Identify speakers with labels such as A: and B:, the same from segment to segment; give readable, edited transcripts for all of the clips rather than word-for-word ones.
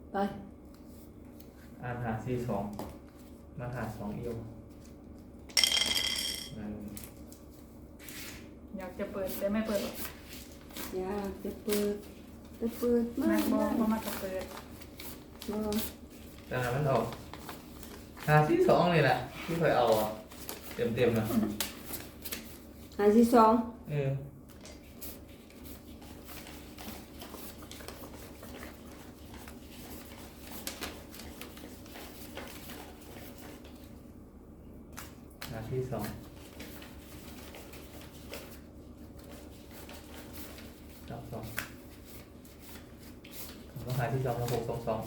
A: ไป
B: อ่านหาซีสองมาหาสองเอียวนั่น
C: อยากจะเปิดแต่ไม่เปิดหรอก
A: อยากจะเปิดจะเปิดมา
C: แม่
A: ก
C: บอก
A: ได้
C: ว่ามาจะเปิด
A: บ่
B: แต่นั้นมันออกหาซีสองเลยแหละที่เคยเอาอ่ะเต็มนะ
A: หาที่สอง
B: เออหาที่สองรับสองผมก็หาที่สองแล้ว6 2 2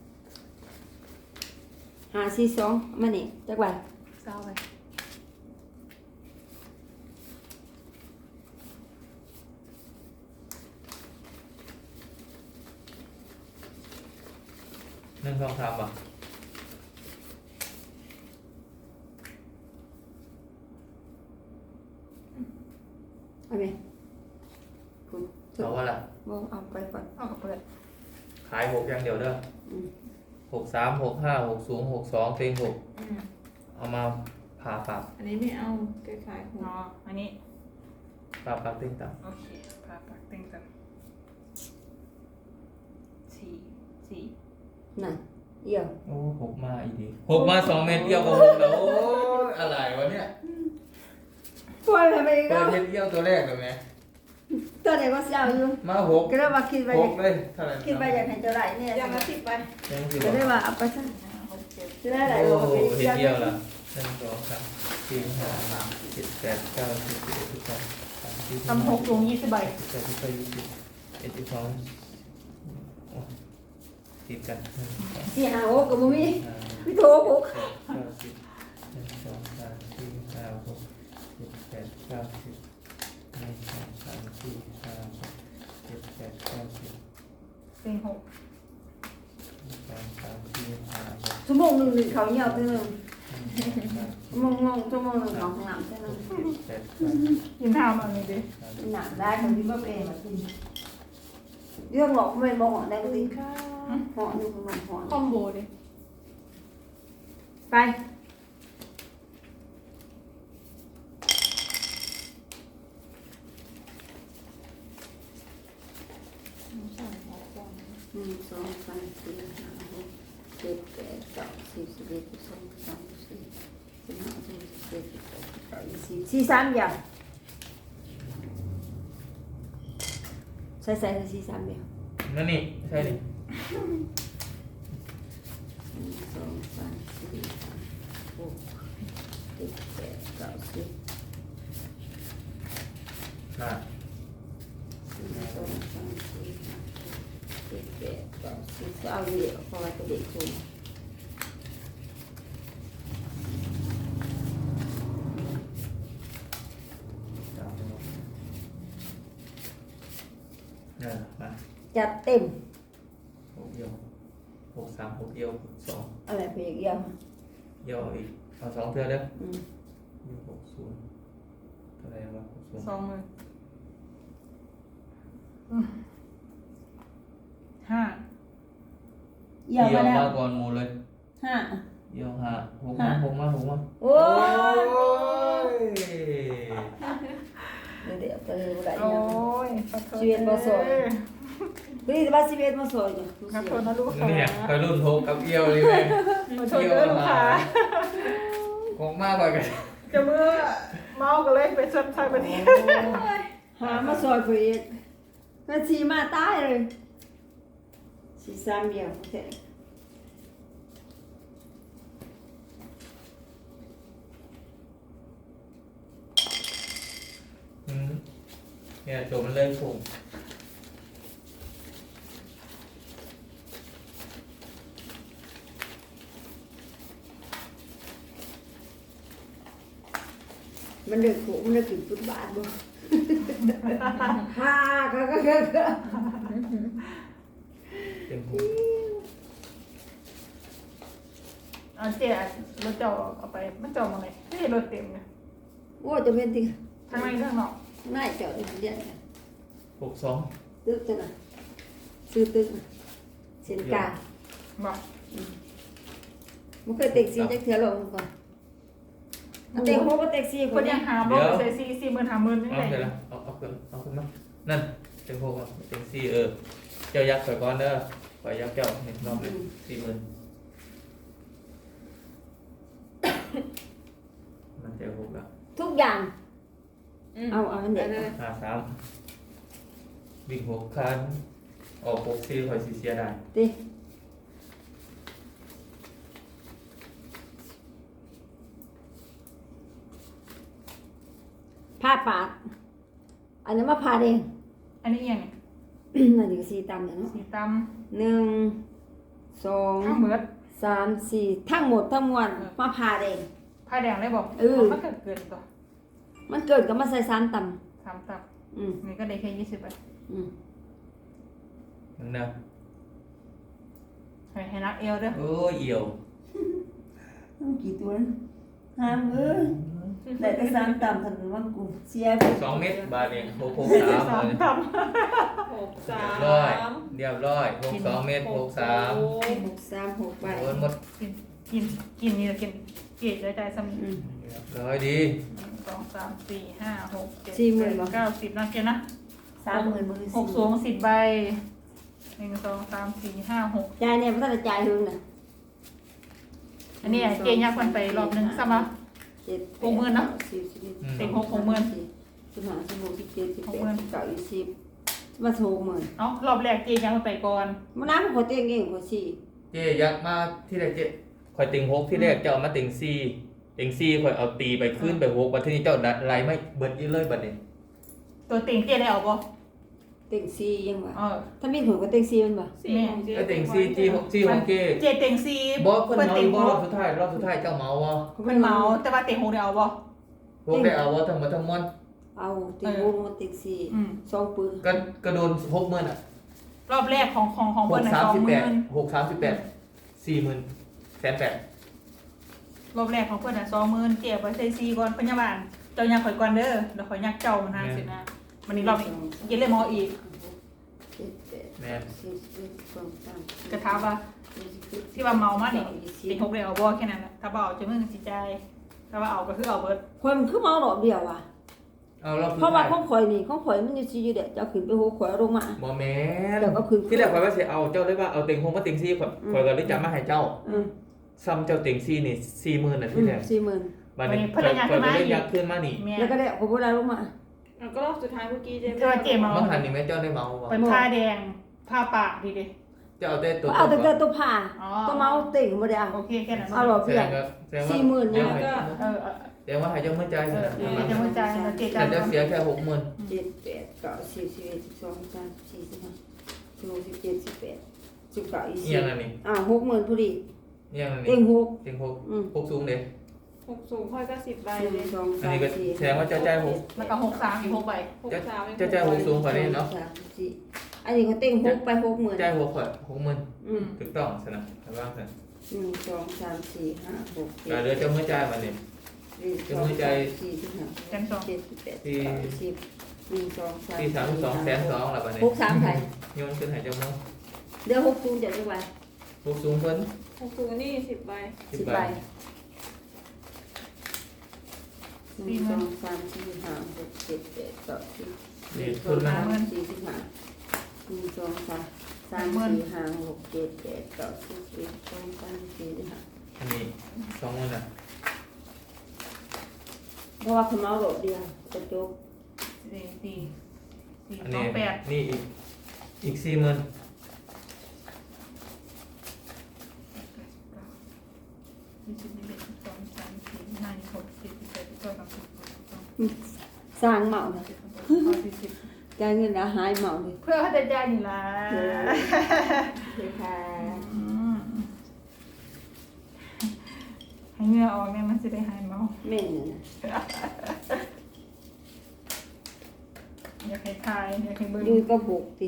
A: หาที่สองมานี่จักใบ
C: เศร้าไป
B: 1 2 3ป่ะ
A: เอาไหมคุณ
B: เอาว่าล่ะ
A: บ่เอาไปก่อน
C: เอากับเปิด
B: ขาย6อย่างเดียวเด้อ
A: อืม
B: 6 3 6 5 6 0 6 2เต็ง6เอามาผ่าปาก
A: อันนี้ไม่เอาคล้ายๆของ
C: เนาะอันนี้
B: ผ่าปากเต็งต่
C: โอเคพาปากเต็งกันสี่
A: นั่นเอี่ยว
B: ำโอ้6มาอีกที6มา2 เม็ดเอี้ยวกับ6แล้วโอ้ยอะไรวะเนี่ย
A: ปล่อยไปอีก
B: เปิ
A: แล้
B: ด
A: ว
B: เฮ็ดเอี้ยวตัวแรกเลยไหม
A: ตัวไหนก็เสียวอยู่
B: มา6
A: ก็เลยว่าคิดไป
B: 6เลยเท่าไหร่
A: คิดไปอยากให้เจ้าไหลเนี่ย
C: ยังละสิบไป
B: ยังสิบ
A: ก็
B: บ
A: เลย
B: อก
A: ว่าเอาไปซะ
C: 5 6 7
A: จะได้ไหล
B: โอ้
A: บอกว่าเป็น
B: เฮ็ด
A: เสียว
B: เอี้ยวละ1 2 3 4 5 6 7 8 9 10 11 12 13
C: ทำ6ลง20ใบ
B: 14 15 16 17 18 19 20ติดกัน1 2
A: สี่หาหกก็บ่มี
B: 3
A: มีโทรหก
B: 9 10 1 2 3 4 5 6 7 8 9 10 1 2 3 4 5 6 7 8 9 10
C: เต็ง6
B: 1 2 3 4 5 6
A: ชั่วโมงหนึ่งเขาเหี่ยวเท่านึง
B: 1 2 3
A: ชั่วโมงหนึ่งของน้ำเท่านึง
B: 4 7 8
C: กินข้าวมันเลยดิ
B: 9
A: หนักได้คนที่บ่เป็นมากินเรื่องหลอกไม่บอกได้ก็ดีเหาะอยู่ข้างนอกเหาะ
C: คอมโบดิ
A: ไปหนึ่งสองสามสี่ห้าหกเจ็ดแปดเก้าสิบ11 12 13 14 15 16 17 18 19 20สี่สามอย่างใส่สี่สามอย่าง
B: นั่นนี่ใช่ดิ
A: หนึ่งสองสามสี่ห้าหกเจ็ดแปดเก้าสิบ
B: น่ะ
A: หนึ่งสองสามสี่ห้าหกเจ็ดแปดเก้าสิบเอาเดี๋ยวพอจะเด็กคุณ
B: มา
A: จัดเต็ม
B: 6เอียว6 3 6เอียว2
A: อะไรไปอีกอย่าง
B: เอียวอีกเอา2เทื่อเด้อ
A: อืม
B: อยู่60เท่าไหร่วะ60
C: 2 มือ5
A: เอี่ยว
B: เอี
A: มาแล้ว
B: มาก่อนหมู่เลย
A: ห้า
B: เอียว5 6มา6มา6มา
A: โอ้
B: โอ้
A: ย
B: ย
A: เดี๋ยวไปเลยอะไร
C: โอ้
A: เนี่ย
C: ยขอโทษ
A: ชีวิตบ่สวย นี่ว่าสิบเอ็ดมาสวยอยู่
C: ขอโทษนะลูกค้า
B: เนี่ยไปรุ่นโทกับเอียวเลยแม่
C: ขอโทษเด้อลูกค้า
B: คงมากกว่ากัน
C: จะเมื่อเมากันเลยไปชนชายประเทศ
A: หามาสวยไปอีกก็ชีมาตายเลยชีสามเดียวโอเค
B: เนี่ยโจมันเลยผม
A: มันเดือดโขมันเดือดถึงฟุตบาทบ่ฮ่าก็
B: เต็มผม
C: เอาเจ๊รถเจ้าเอาไปมันเจ้ามาไหนไม่เห็นรถเต็มเนี่ย
A: โอ้จะเป็นติ
C: ทั้งในทั้งนอก
A: ง่ายเจ้าเดียว
B: 62
A: ตึกจังน่ะซื้อตึกน่ะเส้นกลาง
B: เ
C: บอก
A: มันเคยเต็กซี่จักเทื่อลงก่อนเต็กโฮก็เต็กซี่
C: คนยังหาบอกใส่40,000 50,000นี่
B: เอา
C: ไง
B: เสร็จแล้วเอาขึ้นมานั่นเต็งหกอ่ะเต็งสี่เจ้ายักษ์ข่อยก่อนเด้อข่อยยักษ์เจ้าเห็นรอบเลย40,000มันเต็งหกแล้ว
A: ทุกอย่างเอามันเด็ก
B: 53วิ่ง6คันออก64ข่อยสิเสียได้
A: ติผ้าปากอันนั้นมาพาเอง
C: อันนี้ยังไง
A: นั่นถึง4ตำเนี่ยเนาะ
C: สีต
A: 1
C: ำทั้งเบิด
A: 2 3 4ทั้งหมดทั้งมวลมาพาเอง
C: ผ้าแดงได้บอกมันเกินตัว
A: มันเกิดก็มาใส่3ต
C: 3 ตับ
A: ำ
C: นี่ก็ได้แค่20ไป
B: นั่นนะ
C: ให้นักเอวด้วย
B: โอ้ยเอี่ยว
A: ต้องกี่ตัวห้ามได้แต่3ตำทันว่ากูเสียไป
B: 2 เม็ดบาทเอง663เลย
C: ตับ
B: เรียบร้อย62 เม็ด63
A: 6 3 6ใบ
B: โดนหมด
C: กินนี่กินเกลี่ยใจซ้ำ
B: เรียบร้อยดี
C: 1 2 3 4 5 6 7 8 9 10นะเกณฑ์นะ
A: 30,000มือ
C: 6 สูง10ใบ1 2 3 4 5 6
A: จ่ายเนี่ยมันต้องจ่ายหึงน่ะ
C: อันนี้เกณฑ์ยากคนไปรอบนึงซ้ำละ
A: 7
C: 60,000เนาะ
A: 10
C: เต็ง60,000
A: 15 16 17 18 19 20มา60,000
C: เอ้ารอบแรกเกณฑ์ยากคนไปก่อน
A: มันน้ำขอเตียงเองขอสี่
B: เจ๊ยักษ์มาที่แรกเจ๊ข่อยติง6ที่แรกเจ้าเอามาติง4ติง4ข่อยเอาตีไปขึ้นไป6บัดทีนี้เจ้าดัดไล่ไม่เบิดอีเลยบัดนี้
C: ตัวเต็งเกณฑ์ได้เอาบ่
A: เตียงสี่ยังวะ
C: เออ
A: ถ้ามีหัวก็เตียงสี่มันบ่
B: ไอ้ติง4จี้6จี้ของเจ๊
C: เจเต็งซี
B: บ่เพิ่นเอา
C: เต็
B: อี
C: ง
B: กบ่
C: ห
B: รอบสุดท้ายเจ้าเมาบ่
C: มันเมาแต่ว่าเต็งหกได้เอาบ่
B: พวกได้เอาบ่ทั้งหมดทั้งมวล
A: เอาเตียงโฮมาเตียงสี่2ปืน
B: ก็โดน60,000อ่ะ
C: รอบแรกของเพิ่นน่ะ20,000
B: 638 40,000แสนแปด
C: รอบแรกของเพิ่นน่ะ20,000เก็บไว้ใส่ซีก่อนพยาบาลเจ้ายักข่อยก่อนเด้อเดี๋ยวข่อยยักเจ้ามันหาสินะมันนี่รอบนี้เย็นเลยมออีก
B: แม่น
C: กระทาว่าที่ว่าเมามานี่เต็งหกได้เอาบ่แค่นั้นแหละถ้าบ่เอาจะมึงสิใจายถ้าว่าเอาก็คือเอาเบิด
A: คนคือเมาดอกเดียวว่ะ
B: เอารอบสุด
A: เพราะว่า
B: ท้าย
A: ของข่อยนี่ของข่อยมันอยู่ซี่อยู่เด้จะขึ้นไปโฮข่อยลงมา
B: บ่แม่น
A: เดี๋ยวก็ขึ้น
B: ที่แรกข่อยว่าสิเอาเจ้าได้ว่าเอาติง6มาติง4ข่อยก็เลยจับมาให้เจ้า ซ้ำเจ้าติง4นี่40,000น่ะที่แรก
A: 40,000
B: บัดนี้ข่อยก็เลยยักขึ้นมานี่
C: แม่
A: แล้วก็ได้ขอบ่ได้ลงมา
D: แล้วก็รอบสุดท้ายเมื่อกี้เจ๊
C: แต่ว่าเจเมา
B: มันหันนี่แม่เจ้าได้เมาบ่
C: เป็นผ้าแดงผ้าปากดีดิ
B: เจ้าเอาแต่ตัว
A: เอาแต่ตัวผ้า
C: อ๋อ
A: ตัวเมาเต็งบ่ได้เอา
C: โอเคแค่นั้น
A: เอาหรอ
B: แส
A: เพื่
B: ด
A: อน
B: งก็แสดงว่า
A: 40,000เนี่ย
C: เออ
B: ให้เจ้าเมื่อใจายซะ
C: เดี๋ยวจะมาจ่ายแล้วเจ
B: แต่
C: จ่าย
B: เจ้าเสียแค่60,000
A: 7 8 9 10 11 12 13 14 15 16 17 18 19
B: เอียง
A: 20
B: อันนี้
A: 60,000พอดี
B: เอียงอัน
A: เต็
B: นี้
A: งหก
B: ติง6สูงเด้
D: 6 สูงค่อยก็10 ใบ
A: ห
D: เล
A: นึ่
D: ย
A: งสอง
B: อัน
A: สาม
B: นี้ก็
A: สี่
B: แสดงว่าเจ้าจ่ายหก
C: แล้วก็63อีก6ใบ
D: 6 3
B: เจ้าจ่าย6สูงกว่านี้เนาะ
A: สามสี่อันนี้เขาเต็งหกไป60,000
B: จ่าย6ข่อย60,000
A: อืม
B: ถูกต้องซะนะแต่ว่าซะ
A: 1 2 3 4 5 6
B: ก็เหลือเจ้าเมื่อจ่ายบัดนี้
A: 7 1 2 3 4 5
C: จันสอง
A: 7 8 9 10 1 2 3
B: ที่32แสน2แล้วบัดนี้
A: 63ไผ
B: โยนขึ้นให้เจ้าเนาะ
A: เดี๋ยว60จะได้ไว้
B: 6สูงเพิ่น
D: 6 สูงนี่ 10 ใบ
A: 10ใบ1 2 3 4 5 6 7 8 9 10
B: นี่
A: 1
B: ทุน
A: 2
B: ละ
A: 3 4 5 1 2 3 3 4 5 6 7 8 9 10 1 2 3 4 5
B: อันนี้20,000น่ะ
A: เพราะว่าเขาเมาโดดเดียวกระจก
B: อันนี้
C: 428
B: นี่อีก40,000
A: สร้างเมาเลยจ่ายเงินแล้วหายเมาเลย
C: เพื่อเขาจะจ่ายนี่ล่ะ
A: เลยค่ะ
C: ให้เหงื่อออกเนี่ยมันจะได้หายเมา
A: แม่เนี่ยนะ
C: อยากให้ทายอยากให้เบิ่ง
A: ยืนก็บุกติ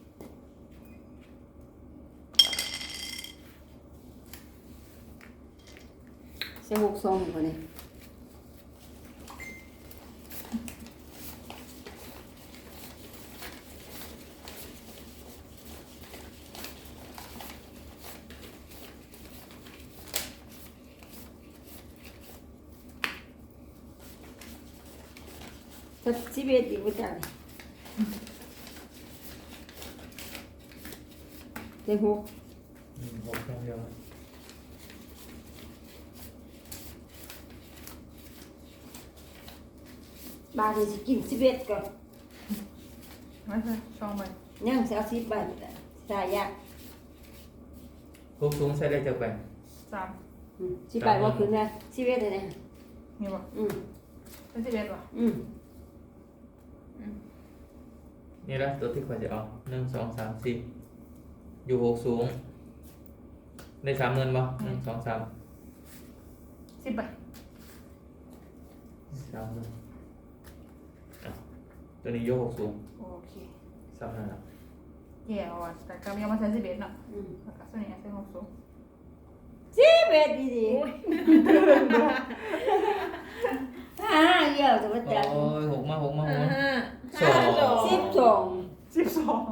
A: ใช้62กว่านี่ถ้าสิบเอ็ดอีกว่าจังเต็งหก
B: หกอย่างเดียว
A: บาทนี่สิกินสิบเอ็ดก่อน
C: ไม่ใช่ช่องไป
A: ยังสิเอา10 บาทสายยาก
B: หกสูงใช้ได้จากแบ่ง
C: สาม
A: 10 บาทว่าคืนนะ11เลยนะ
C: นี่บ่
A: อืม
C: เป็น11บ่
A: อืม
B: นี่ละตัวที่ควรจะเอา1 2 3 4อยู่หกสูงได้30,000บ่1 2 3
C: 10ใบ
B: 30,000ตัวนี้อยู่หกสูง
C: โอเค
B: 3นั่นล่ะ
C: แย่อ่ะแต่ก็ยังมาใช้11เนาะ
A: อืม
C: แล้วก็ส่วนนี้ใช้6สูง
A: 11ดีดีเยอะจะว่าจัง
B: โอ้ยหกมา
D: ห้า
B: สอง
A: 12
C: 12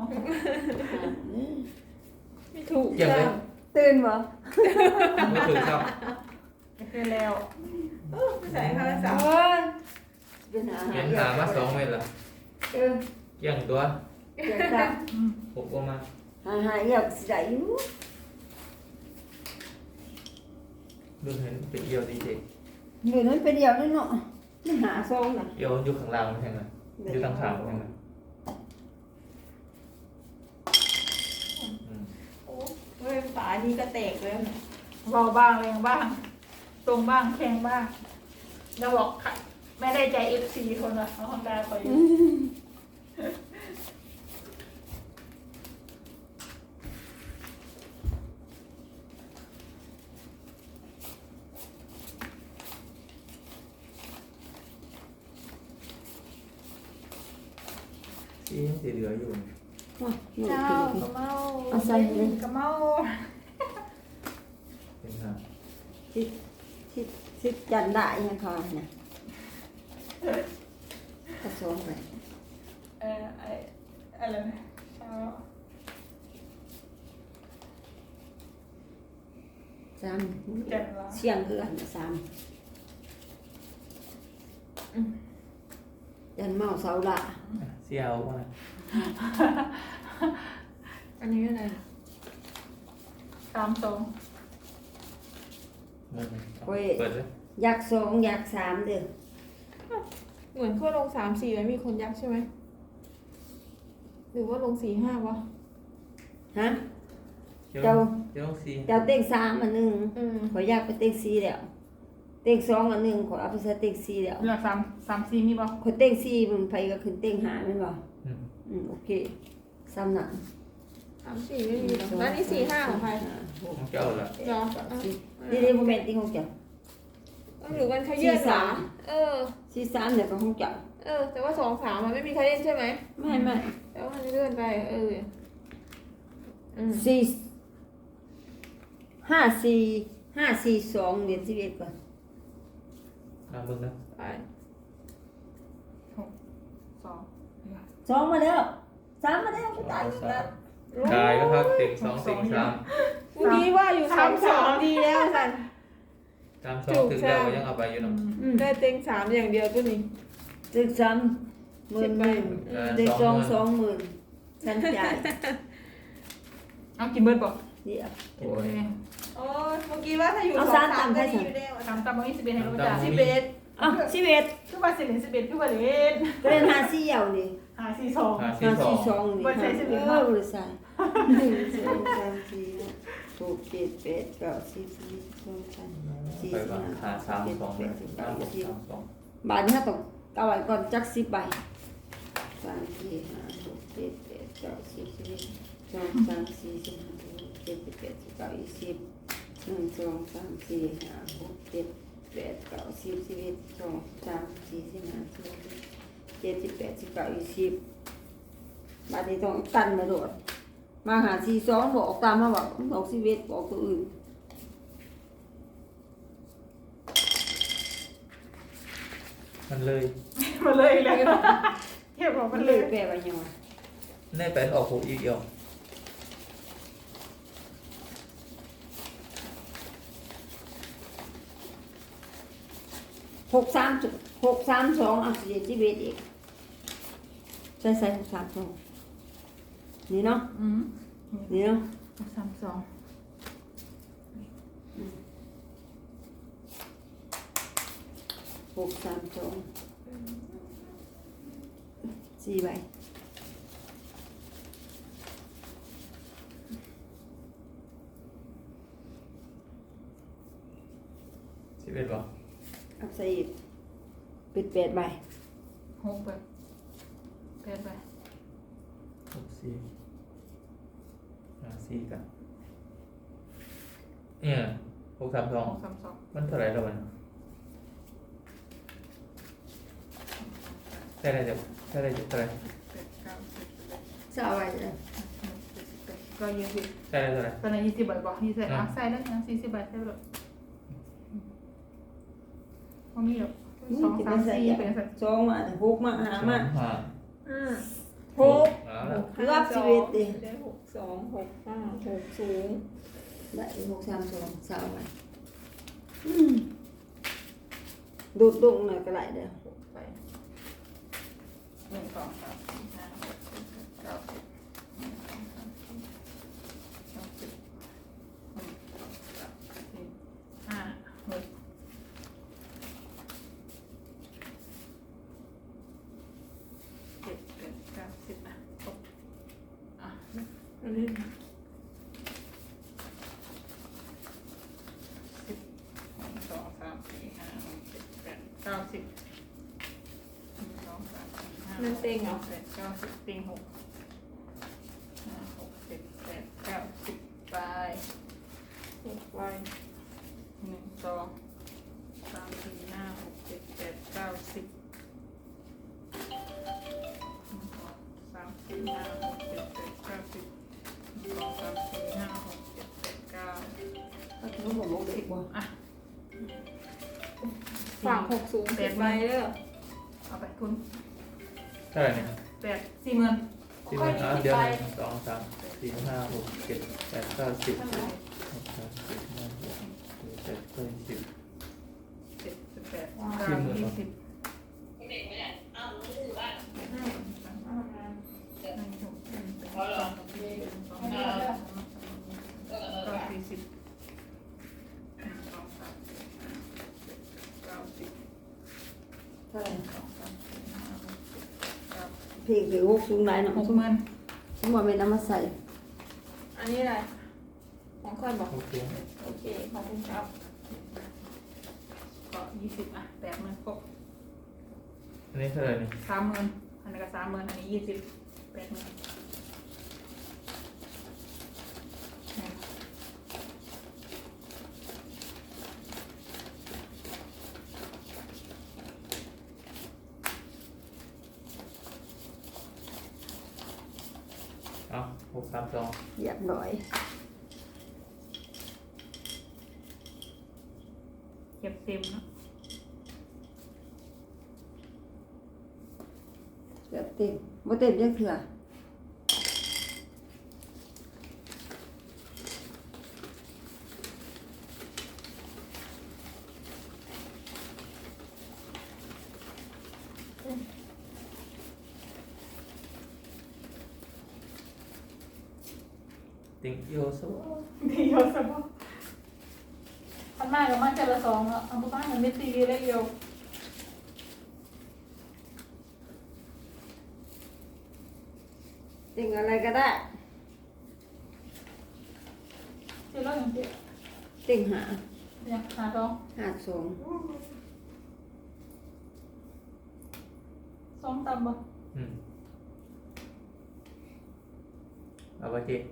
D: ไม่ถูก
B: เกี่ยงเลย
A: ตื่นบ่
B: ไม่ถึงครับ
C: ก็คือแล้ว
D: ไม่ใส่ข้าวสาม
A: โอ้ยเป็นหา
B: เห็นหามา2 เม็ดละ
A: เออ
B: เกี่ยงตัว
A: เดี๋ยวจ้ะ
B: หกประมาณ
A: หาเยอะสิได้อยู่
B: ดูเห็นเป็นเอียวดีเด็ก
A: อยู่นั้นไปเดียวนั่นเนาะไม่หาซองน่ะ
B: เอียวอยู่ข้างล่างไม่ใช่ไหมอยู่ทางขางใช่ไหม
D: โอ้เว้ยฝานี่ก็แตกแล้วเนี่ย
C: เบาบ้างแรงบ้าง ตรงบ้างแข็งบ้างแล้วบอกค่ะไม่ได้ใจ FC คนละเอาฮอนด้าคอยอยู่
B: ที่ยังสีเหลืออยู่
A: ว้าหนู
C: เจ้า
A: ขึ้น
C: กระเมา
A: เอาใส่เลย
C: กระเมา
B: เป็นหา
A: ที่จันได้ยังคอนะผสมไป
C: ไออะไรนะเช้า
A: สาม
C: จันวะ
A: เสียงเอือนสามจันเมาเสาละ
B: เสียวมา
D: อันนี้อะไร
C: 32
B: มันเปิดเลย
A: อยากสองอยากสามเด้อ
D: เหมือนขั้วลง3 4แล้วมีคนยักษ์ใช่ไหมหรือว่าลง4 5วะ
A: ฮะ
B: เจ้า
A: เจ้า
B: เจ้าสี
A: เจ้าเต็งสามอันหนึ่ง
D: ม
A: ขอยอยากไปเต็งสี่แล้วเต็งสองอันหนึ่งขอเอาไปใส่เต็งสี่แล้ว
C: เหลือ3 4มีบ่
A: ขอยเต็งสี่มันไปก็ขึ้นเต็งหาแม่นบ่ โอเคซ้ำหนัก
D: 3 4ไม่มีหรอกแล้วนี่4 5ของใคร
B: ของเจ้าละ
D: เหรอ
A: นี่นี่โมเมนต์ที่ของเจ้า
D: หรือมันเขาเยื่อหรอ
A: สี่สามเดี๋ยวก็ของเจ้า
D: แต่ว่า2 3มันไม่มีใครเล่นใช่ไหม
A: ไม่
D: แต่ว่ามันเลื่อนไป
A: สี่ห้าสี่สองเดือน11ก่อน
B: น้ำมึงนะ
D: ไป
C: 2
A: สองมาแล้วสามมาแล้วก็ตายอีกแล้ว
B: ได้แล้วครับเต็ง2 4 3
D: เมื่อกี้ว่าอยู่3 ดีแล้วสัน
B: ตาม2ถึงแล้วยังเอาไปอยู่เนาะ
D: ได้เต็ง3อย่างเดียวตัวนี้
A: เด็กสามหมื่นหนึ่งเด็กสอง20,000ฉันจ่าย
C: เอากินเบิดบ่
A: เดี๋ยว
C: โอ้ย
D: โอ้ยเมื่อกี้ว่าถ้าอยู่
A: เอา
D: 2
A: สาม
D: 3
A: ต่ำ
D: ก็
A: ให้
D: ดี
A: ฉัน
D: อยู่แล้ว
C: 3บ่มี11ให้รู้จัก
A: อ่ะ11
C: คือว่าสิเล่น11คือว่าเล่น
A: ก็เล่นหาสี่เหยาวนี่
C: 5 4 2
B: หา
A: หา
B: สี่
A: สี่
B: ส
A: ส
B: อง
A: องนี่
C: บ่ใช่11
A: บริษัท1 2 3 4 6 7 8 9 10 11 12 13
B: ไปว่าหา3 2
A: 14 15 16 17 18 19 20
B: 3 2
A: บาทนี้ต้องเอาไว้ก่อนจัก10 ใบ3 4 5 6 7 8 9 10 11 2 3 4 5 6 7 8 9 20 1 2 3 4 5 6 7 8 9 10 11 2 3 4 5 6 7 8 9 20บาทนี้ต้องกันมาโดดมาหา42บอกตามมาบอกบอก11บอกตัวอื่น
B: มันเลย
C: มาเลยเลยเทียบบอก
A: มั
C: มัน น
A: เล
C: เลย ย
A: แปลว่าหยังวะ
B: แน่เป็นออกหกอีกเดียว
A: 632เอาสิ11อีกใส่หกสามสองนี่เนาะ
C: อืม
A: นี่เนาะ
C: 632
A: หกสามสองสี่ใบ
B: 11บ่
A: เอาใส่อีกปิดแปดใบ
C: 6ไป8ไป
B: 644กันเนี่ย632
C: 632
B: มันเท่าไหร่แล้วมันได้อะไรจะเท่าไหร่
C: 8 9 10
A: จะเอาไว้เลย
C: ก็20
B: ได้อะไรเท่าไหร่
C: ตอนนั้น20ใบบอก20อ่ะใส่แล้วนะ40ใบใส่ไปเลยบ่มีหรอก
A: นี่
C: 2
A: จะไป
C: 3
A: ใส่
C: 4
A: อย่าง
C: เป็นสัก
A: สองมาหกมาหามา
B: ห้า
D: หก
B: เอาละ
A: เกือบ11ดิ
D: ได้6 2 6 5 6สูง
A: ได้หกสามสองสาวใบดูดดงหน่อยก็ได้เด้อ
C: ไป1 2 3 4 5 6 7 8 9 10
D: อันนี้
C: นั่นเต็งเหรอ8 9 10เต็ง6 5 6 7 8 9 10ไป
D: 6ใบ
C: 1 2 3 4 5 6 7 8 9 10 3 4 5 6 7 8 9 10 1 2 3 4 5 6 7 8 9
A: ถ้าถือว่าบอกเด็กบ่
C: อ่ะ
D: ฝาก6สูง10ใบเด้อ
C: เอาไปคุณ
B: เท่าไหร่เนี่ย
C: 8 40,000
B: 10เดี๋ยว1 2 3 4 5 6 7 8 9 10 6 3 4 5 6 7 8 9 10
C: 7 8 9 20
A: เท่าไหร่เพลงถือหกสูงได้เนาะ
C: 60,000
A: สมมติว่าเป็นน้ำมาใส่
D: อันนี้อะไรของค่อยบอก
B: โอเค
D: โอเคขอบคุณครับ
C: ก็20อ่ะ80,000ครบ
B: อันนี้เท่าไหร่เนี่ย
C: 30,000อันนี้ก็30,000อันนี้20 80,000
B: เอา632
A: อยากหน่อย
C: เก็บเต็มเนาะ
A: แบบเต็มบ่เต็มยังเถื่อ
B: Thank you so
C: ดีเยอะสบายพันมากกับมันจะละ2แล้วเอาบ้านมันไม่ตีได้เดียว
A: เต็งอะไรก็ได้
C: เจ๊เล่าอย่างเจ๊
A: เต็งหา
C: เนี่ยหา2
A: หาสอง
C: 2ต่ำบ่
B: เอาไปจี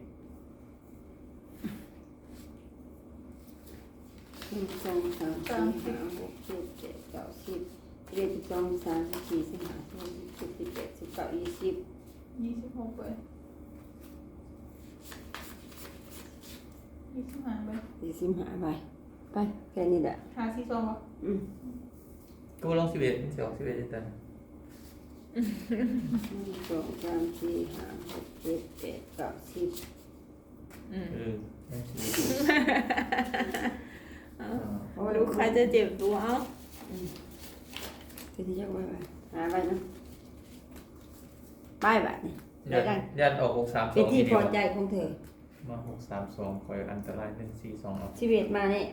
A: 1 2 3 4 5 6 7 8 9 10 11 12 13 14 15 16 17 18 19 20
C: 26ไป25ไป
A: 45ใบไปแค่นี้แหละ
C: หา42บ่
A: อืม
B: ก็ลอง11มันจะออก11ได้ตัน
A: 1 2 3 4 5 6 7 8 9 10
B: นั่นสิ
D: ลูกใครจะเจ็บตัวเอา
A: ทีนี้ยักไว้หาใบนะป้ายแบบนี้ได้
B: ยั
A: กัน
B: ยันออกหกสามส
A: เป็น
B: อง
A: ที่
B: ที
A: พ
B: เดีย
A: อ
B: ว
A: ใจของเธอ
B: มาหกสามสองคอยอันตรายเป็นสี่สองเอา
A: ชีวิตมาเนี่ย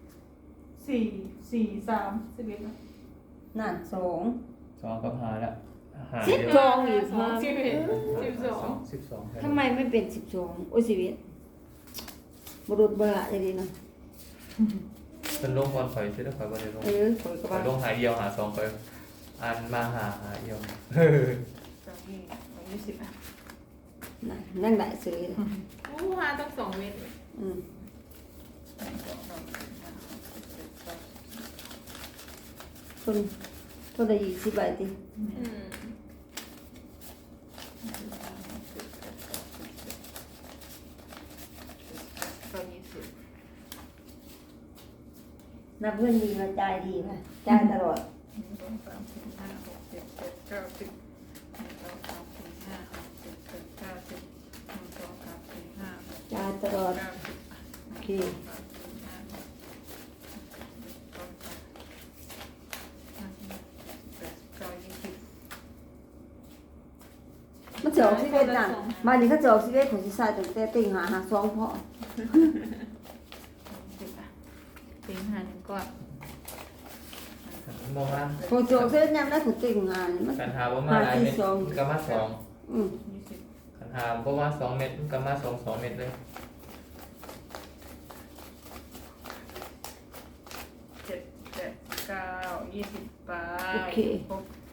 C: 4 4 3 11นะ
A: นั่นสอง
B: สองกับหาแล้วหา
A: สิบ
B: เดียว
A: สองอีก
D: สองสิบเอ็ด12
B: 12
A: ทำไมไม่เป็น12โอ้ยชีวิตบุรุษเบอร์อะไรดีเนาะ
B: เป็นลงบอลข่อยใช่ไหมข่อยบอลในลง
A: เออข่อยก็
B: ข่อ
A: ว่าย
B: ลงหาเดียวหาสองข่อยอันมาหาเดียว
C: 20อ่ะ
A: น่ะนั่งได้ซื้อเลย
D: โอ้หาต้อง2 เม็ด
A: อืม คนคนละ20 ใบติ
D: อืม
A: นับเพื่อนดีมาจ่ายดีมาจ่ายตลอด จ่ายตลอดโอเคมันจะออก11นั่นมานี่เขาจะออก11ของสิใส่ตั้งแต่ติ่งหา2พอ
C: เต็งหาหนึ่งก่อน
B: มองว่า
A: พอจะออก11ยามได้ของติ่งหานี่มัน
B: กันหาประมาณหลายเม็ดก็มาสอง
A: อืม
C: 20
B: กันหาประมาณ2 เม็ดก็มา2 เม็ดเลย
C: 7 8 9 20ไป
A: โอเค
C: ครบ